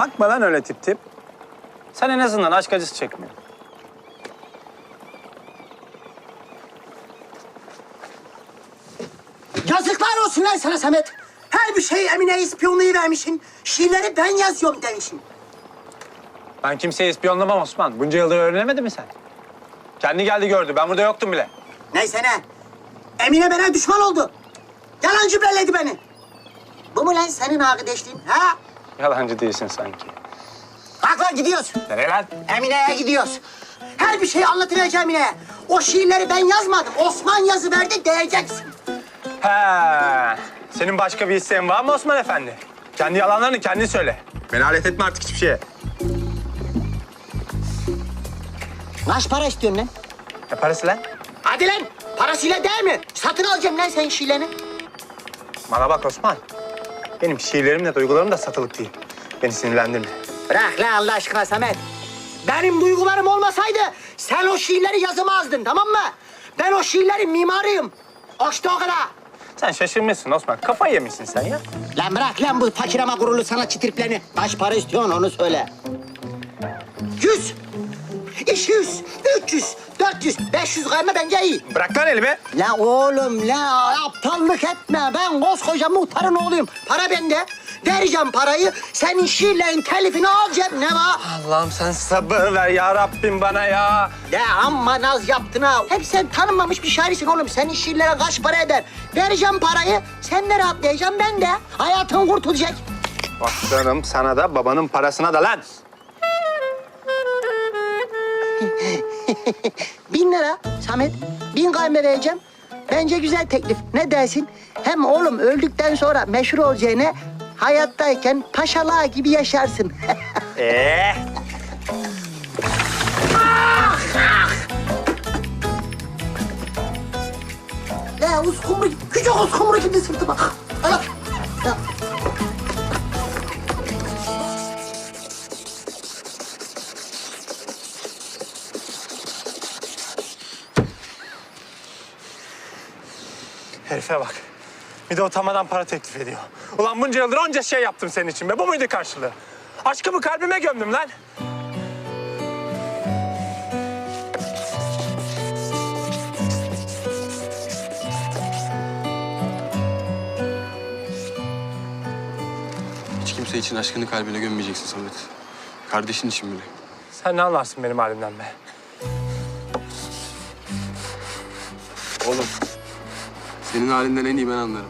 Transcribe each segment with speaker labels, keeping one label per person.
Speaker 1: Bakma lan öyle tip tip. Sen en azından aşk acısı çekmiyorsun.
Speaker 2: Yazıklar olsun lan sana Samet. Her bir şeyi Emine'ye ispiyonluğu vermişsin. Şiirleri ben yazıyorum demişsin.
Speaker 1: Ben kimseyi ispiyonlamam Osman. Bunca yıldır öğrenemedin mi sen? Kendi geldi gördü. Ben burada yoktum bile.
Speaker 2: Neyse ne? Emine bana düşman oldu. Yalancı belledi beni. Bu mu lan senin arkadaşlığın ha?
Speaker 1: Yalancı değilsin sanki.
Speaker 2: Kalk lan gidiyoruz.
Speaker 1: Nereye lan?
Speaker 2: Emine'ye gidiyoruz. Her bir şeyi anlatacağım Emine'ye. O şiirleri ben yazmadım. Osman yazıverdi diyeceksin.
Speaker 1: He. Senin başka bir isteğin var mı Osman Efendi? Kendi yalanlarını kendin söyle. Beni alet etme artık hiçbir şeye.
Speaker 2: Kaç para istiyorsun lan?
Speaker 1: Ne parası lan?
Speaker 2: Hadi lan. Parasıyla değil mi? Satın alacağım lan senin şiirlerini.
Speaker 1: Bana bak Osman. Benim şiirlerim de duygularım da satılık değil. Beni sinirlendirme.
Speaker 2: Bırak lan Allah aşkına Samet. Benim duygularım olmasaydı sen o şiirleri yazamazdın tamam mı? Ben o şiirlerin mimarıyım. İşte o kadar.
Speaker 1: Sen şaşırmışsın Osman. Kafayı yemişsin sen ya.
Speaker 2: Lan bırak lan bu fakir ama gururlu sanatçı triplerini. Kaç para istiyorsun onu söyle. 100, 200, 300, 400, 500 kayma bence iyi.
Speaker 1: Bırak lan elimi.
Speaker 2: La oğlum la aptallık etme. Ben koskoca muhtarın oğluyum. Para bende. Vereceğim parayı. Senin şiirlerin telifini alacağım. Ne var?
Speaker 1: Allah'ım sen sabır ver ya Rabbim bana ya.
Speaker 2: Ya amma naz yaptın ha. Hep sen tanınmamış bir şairsin oğlum. Senin şiirlere kaç para eder? Vereceğim parayı. Sen de rahatlayacaksın ben de. Hayatın kurtulacak.
Speaker 1: Başlarım sana da babanın parasına da lan.
Speaker 2: 1000 lira Samet. 1000 kayme vereceğim. Bence güzel teklif. Ne dersin? Hem oğlum öldükten sonra meşhur olacağına hayattayken paşalığa gibi yaşarsın. Ya uskumru, küçük uskumru gibi sırtıma. Ay. Ya.
Speaker 1: Herife bak. Bir de utanmadan para teklif ediyor. Ulan bunca yıldır onca şey yaptım senin için be. Bu muydu karşılığı? Aşkımı kalbime gömdüm lan.
Speaker 3: Hiç kimse için aşkını kalbine gömmeyeceksin Samet. Kardeşin için bile.
Speaker 1: Sen ne anlarsın benim halimden be?
Speaker 3: Oğlum, senin halinden en iyi ben anlarım.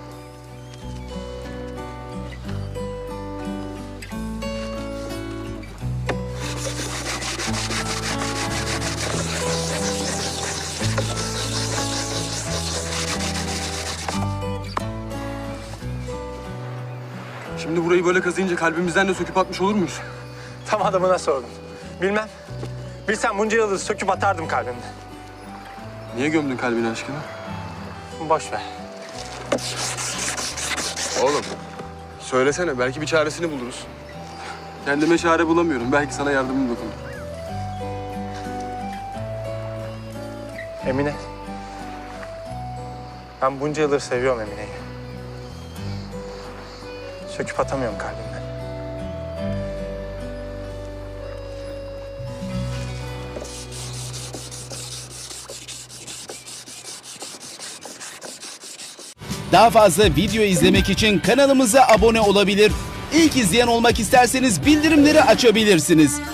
Speaker 3: Şimdi burayı böyle kazıyınca kalbimizden de söküp atmış olur muyuz?
Speaker 1: Tam adamına sordum. Bilmem. Bilsem bunca yıldır söküp atardım kalbimden.
Speaker 3: Niye gömdün kalbine aşkını?
Speaker 1: Boş ver.
Speaker 3: Oğlum, söylesene. Belki bir çaresini buluruz. Kendime çare bulamıyorum. Belki sana yardımım dokunur.
Speaker 1: Emine. Ben bunca yıldır seviyorum Emine'yi. Söküp atamıyorum kalbimden.
Speaker 4: Daha fazla video izlemek için kanalımıza abone olabilir. İlk izleyen olmak isterseniz bildirimleri açabilirsiniz.